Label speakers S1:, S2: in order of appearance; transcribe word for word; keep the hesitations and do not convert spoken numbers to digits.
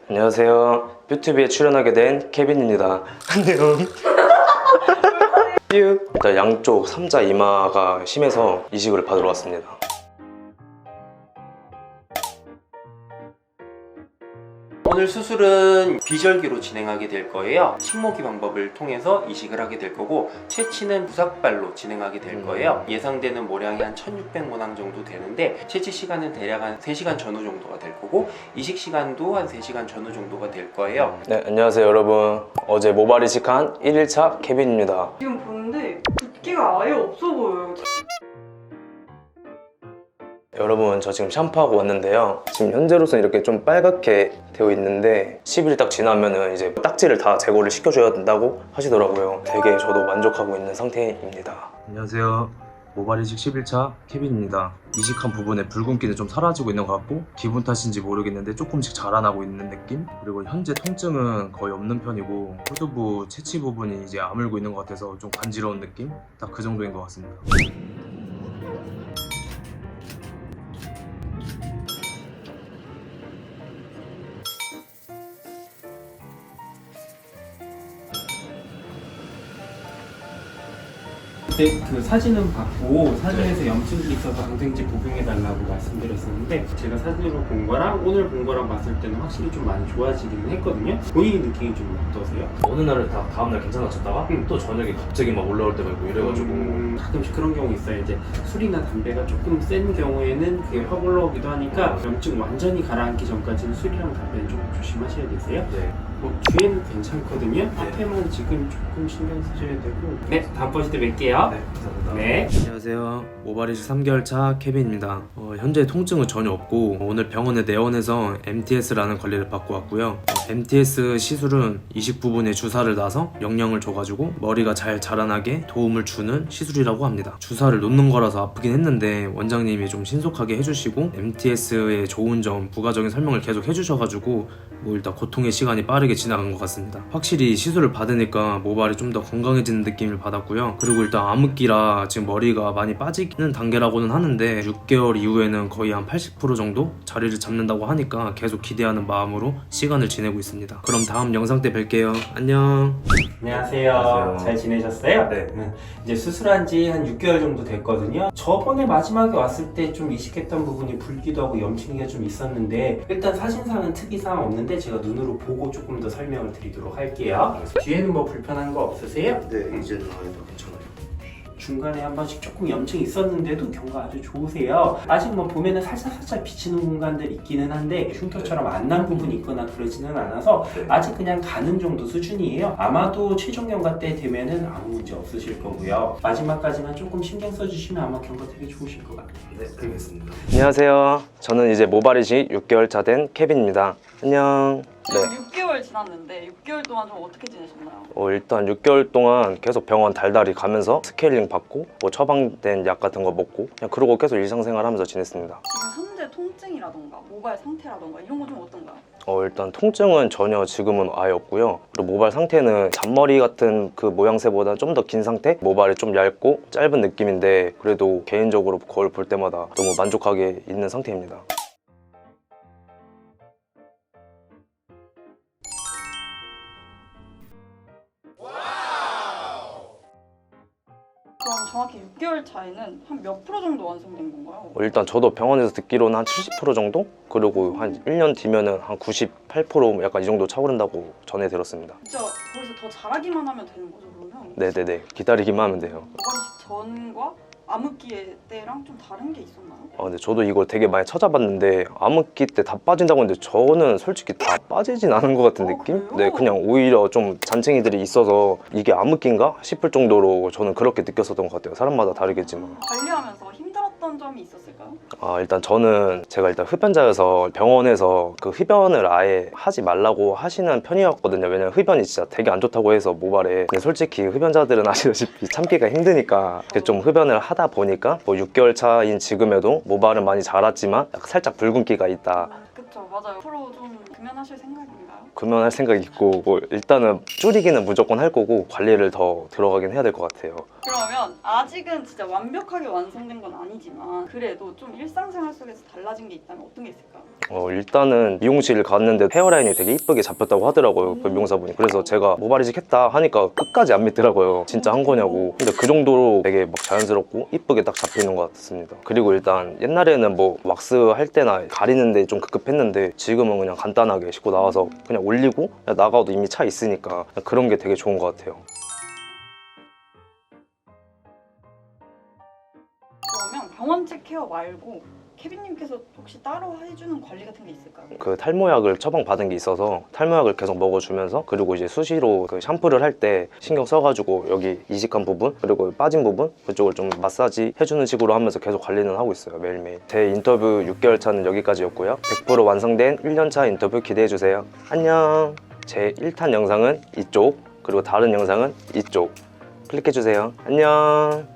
S1: 안녕하세요. 뷰티비에 출연하게 된 케빈입니다. 안녕. 일단 양쪽 삼자 이마가 심해서 이식을 받으러 왔습니다.
S2: 오늘 수술은 비절기로 진행하게 될 거예요. 식모기 방법을 통해서 이식을 하게 될 거고, 채취는 부삭발로 진행하게 될 거예요. 예상되는 모량이 한 천육백 모낭 정도 되는데, 채취 시간은 대략 한 세 시간 전후 정도가 될 거고, 이식 시간도 한 세 시간 전후 정도가 될 거예요.
S1: 네, 안녕하세요 여러분. 어제 모발 이식한 일 일차 케빈입니다.
S3: 지금 보는데 붓기가 아예 없어 보여요.
S1: 여러분, 저 지금 샴푸하고 왔는데요. 지금 현재로서는 이렇게 좀 빨갛게 되어 있는데 십 일 딱 지나면은 이제 딱지를 다 제거를 시켜줘야 된다고 하시더라고요. 되게 저도 만족하고 있는 상태입니다. 안녕하세요. 모발 이식 십 일차 케빈입니다. 이식한 부분에 붉은기는 좀 사라지고 있는 것 같고, 기분 탓인지 모르겠는데 조금씩 자라나고 있는 느낌? 그리고 현재 통증은 거의 없는 편이고, 후두부 채취 부분이 이제 아물고 있는 것 같아서 좀 간지러운 느낌? 딱 그 정도인 것 같습니다.
S2: 그때 그 사진은 받고, 사진에서 염증이 있어서 항생제 복용해달라고 말씀드렸었는데, 제가 사진으로 본 거랑 오늘 본 거랑 봤을 때는 확실히 좀 많이 좋아지기는 했거든요. 본인이 느낌이 좀 어떠세요?
S1: 어느 날은 다 다음날 괜찮아졌다가
S2: 응.
S1: 또 저녁에 갑자기 막 올라올 때가 있고 이래가지고
S2: 음, 가끔씩 그런 경우 있어요. 이제 술이나 담배가 조금 센 경우에는 그게 확 올라오기도 하니까, 염증 완전히 가라앉기 전까지는 술이랑 담배는 조금 조심하셔야 되세요.
S1: 네.
S2: 뭐 뒤에는 괜찮거든요. 앞에만 지금 조금 신경 쓰셔야 되고. 네, 다음번 시때 뵐게요.
S1: 네, 감사합니다.
S2: 네.
S1: 안녕하세요. 모발 이식 삼 개월 차 케빈입니다. 어, 현재 통증은 전혀 없고, 오늘 병원에 내원해서 엠티에스라는 관리를 받고 왔고요. 어, 엠티에스 시술은 이식 부분에 주사를 놔서 영양을 줘가지고 머리가 잘 자라나게 도움을 주는 시술이라고 합니다. 주사를 놓는 거라서 아프긴 했는데 원장님이 좀 신속하게 해주시고, 엠티에스의 좋은 점, 부가적인 설명을 계속 해주셔가지고 뭐 일단 고통의 시간이 빠르게 지나간 것 같습니다. 확실히 시술을 받으니까 모발이 좀 더 건강해지는 느낌을 받았고요. 그리고 일단 암흑기라 지금 머리가 많이 빠지는 단계라고는 하는데, 육 개월 이후에는 거의 한 팔십 퍼센트 정도 자리를 잡는다고 하니까 계속 기대하는 마음으로 시간을 지내고 있습니다. 그럼 다음 영상 때 뵐게요. 안녕.
S2: 안녕하세요.
S1: 안녕하세요.
S2: 잘 지내셨어요?
S1: 네.
S2: 음, 이제 수술한 지 한 육 개월 정도 됐거든요. 저번에 마지막에 왔을 때 좀 이식했던 부분이 붉기도 하고 염증이 좀 있었는데, 일단 사진상은 특이사항 없는데 제가 눈으로 보고 조금 더 설명을 드리도록 할게요. 뒤에는 뭐 불편한 거 없으세요?
S1: 네, 이제는 아예도 괜찮아요.
S2: 중간에 한 번씩 조금 염증이 있었는데도 경과 아주 좋으세요. 아직 뭐 보면은 살짝살짝 비치는 공간들 있기는 한데, 흉터처럼 안 난 부분이 있거나 그러지는 않아서
S1: 네.
S2: 아직 그냥 가는 정도 수준이에요. 아마도 최종 경과 때 되면은 아무 문제 없으실 거고요. 마지막까지만 조금 신경 써주시면 아마 경과 되게 좋으실 것 같아요.
S1: 네, 알겠습니다. 안녕하세요. 저는 이제 모발 이식 육 개월 차 된 케빈입니다. 안녕.
S3: 지금
S1: 네.
S3: 육 개월 지났는데 육 개월 동안 좀 어떻게 지내셨나요?
S1: 어, 일단 육 개월 동안 계속 병원 달달이 가면서 스케일링 받고, 뭐 처방된 약 같은 거 먹고, 그냥 그러고 계속 일상생활 하면서 지냈습니다.
S3: 지금 현재 통증이라던가 모발 상태라던가 이런 거 좀 어떤가요?
S1: 어, 일단 통증은 전혀 지금은 아예 없고요. 그리고 모발 상태는 잔머리 같은 그 모양새보다 좀 더 긴 상태? 모발이 좀 얇고 짧은 느낌인데, 그래도 개인적으로 거울 볼 때마다 너무 만족하게 있는 상태입니다.
S3: 그럼 정확히 육 개월 차에는 한 몇 프로 정도 완성된 건가요?
S1: 어, 일단 저도 병원에서 듣기로는 한 칠십 퍼센트 정도? 그리고 한 일 년 뒤면은 한 구십팔 퍼센트 약간 이 정도 차오른다고 전해 들었습니다.
S3: 진짜 거기서 더 잘하기만 하면 되는 거죠, 그러면?
S1: 네네네, 기다리기만 하면 돼요.
S3: 모발 이식 전과 암흑기 때랑 좀 다른 게 있었나요?
S1: 아, 근데 저도 이걸 되게 많이 찾아봤는데, 암흑기 때 다 빠진다고 했는데 저는 솔직히 다 빠지진 않은 것 같은
S3: 어,
S1: 느낌?
S3: 그래요?
S1: 네, 그냥 오히려 좀 잔챙이들이 있어서 이게 암흑기인가 싶을 정도로 저는 그렇게 느꼈었던 것 같아요. 사람마다 다르겠지만.
S3: 관리하면서 힘들었던 점이 있었을까요?
S1: 아, 일단 저는 제가 일단 흡연자여서 병원에서 그 흡연을 아예 하지 말라고 하시는 편이었거든요. 왜냐면 흡연이 진짜 되게 안 좋다고 해서 모발에. 근데 솔직히 흡연자들은 아시다시피 참기가 힘드니까 좀 흡연을 하다 보니까 뭐 육 개월 차인 지금에도 모발은 많이 자랐지만 살짝 붉은기가 있다.
S3: 음, 그쵸, 맞아요. 앞으로 좀 금연하실 생각인가요?
S1: 금연할 생각이 있고, 뭐 일단은 줄이기는 무조건 할 거고 관리를 더 들어가긴 해야 될 것 같아요.
S3: 그러면 아직은 진짜 완벽하게 완성된 건 아니지만 그래도 좀 일상생활 속에서 달라진 게 있다면 어떤 게 있을까요?
S4: 어, 일단은 미용실 갔는데 헤어라인이 되게 이쁘게 잡혔다고 하더라고요. 그 미용사분이. 그래서 제가 모발이식 했다 하니까 끝까지 안 믿더라고요. 진짜 한 거냐고. 근데 그 정도로 되게 막 자연스럽고 이쁘게 딱 잡히는 것 같습니다. 그리고 일단 옛날에는 뭐 왁스 할 때나 가리는데 좀 급급했는데 지금은 그냥 간단하게 씻고 나와서 그냥 올리고 그냥 나가도 이미 차 있으니까 그런 게 되게 좋은 것 같아요.
S3: 그러면 병원체 케어 말고 케빈님께서 혹시 따로 해주는 관리 같은 게 있을까요?
S4: 그 탈모약을 처방받은 게 있어서 탈모약을 계속 먹어주면서 그리고 이제 수시로 그 샴푸를 할 때 신경 써가지고 여기 이식한 부분 그리고 빠진 부분 그쪽을 좀 마사지 해주는 식으로 하면서 계속 관리는 하고 있어요. 매일매일. 제 인터뷰 육 개월 차는 여기까지였고요. 백 퍼센트 완성된 일 년 차 인터뷰 기대해주세요. 안녕. 제 일 탄 영상은 이쪽 그리고 다른 영상은 이쪽 클릭해주세요. 안녕.